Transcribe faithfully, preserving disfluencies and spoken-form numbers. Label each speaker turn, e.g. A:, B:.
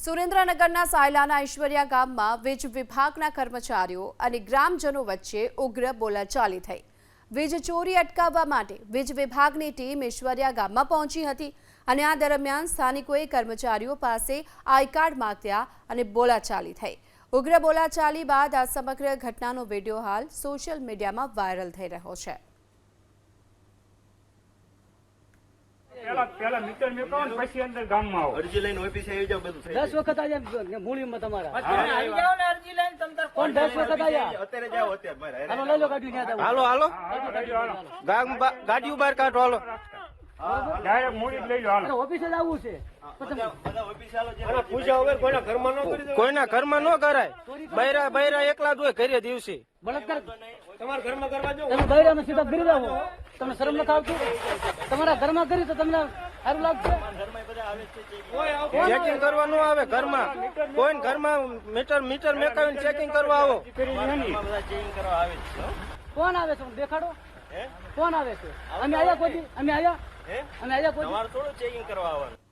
A: સુરેન્દ્રનગરના સાયલાના ઐશ્વર્યા ગામમાં વીજ વિભાગના કર્મચારીઓ અને ગ્રામજનો વચ્ચે ઉગ્ર બોલાચાલી થઈ। વીજ ચોરી અટકાવવા માટે વીજ વિભાગની ટીમ ઐશ્વર્યા ગામમાં પહોંચી હતી અને આ દરમિયાન સ્થાનિકોએ કર્મચારીઓ પાસે આઈ કાર્ડ માંગ્યા અને બોલાચાલી થઈ। ઉગ્ર બોલાચાલી બાદ આ સમગ્ર ઘટનાનો વિડીયો હાલ સોશિયલ મીડિયામાં વાયરલ થઈ રહ્યો છે।
B: પેલા પેલા મીટર મેકો ને પછી અંદર ગામમાં આવો
C: અરજી લઈને ઓફિસે આવી જાવ બધું થઈ
D: દસ વખત આજે મૂળીમાં તમારા
E: આવી જાવ ને અરજી લઈને તમ તાર
D: કોણ દસ વખત આયા
C: અત્યારે જાવ અત્યારે મારે
D: હાલો લઈ લો ગાડી ન્યા
F: હાલો હાલો ગામ ગાડીઓ બહાર કાઢો હાલો
B: ડાયરેક્ટ મૂડી જ લઈ લો હાલો
D: ઓફિસે જ આવવું છે
C: બધા ઓફિસે આલો જે
F: પૂજા વગર કોઈના ઘરમાં ન કરી કોઈના ઘરમાં ન કરાય। બૈરા બૈરા એકલા જ હોય ઘરે દિવસે
D: બળાત્કાર
F: તમારા ઘરમાં કરવા જો
D: તમે બૈરામાં સીધા ગરી જાવ તમને શરમ નથી આવતી? તમારા ઘરમાં કરી તો તમને સારું લાગશે?
F: ચેકિંગ કરવા ન આવે ઘરમાં કોઈ ઘરમાં મીટર મીટર મેકાવીને ચેકિંગ કરવા આવો।
C: બધા ચેકિંગ કરવા આવે છે
D: કોણ આવે છે દેખાડો કોણ આવે છે? અમે આયા કોઈ અમે આયા અમે આયા કોઈ
C: તમારે થોડું ચેકિંગ કરવા આવવાનું।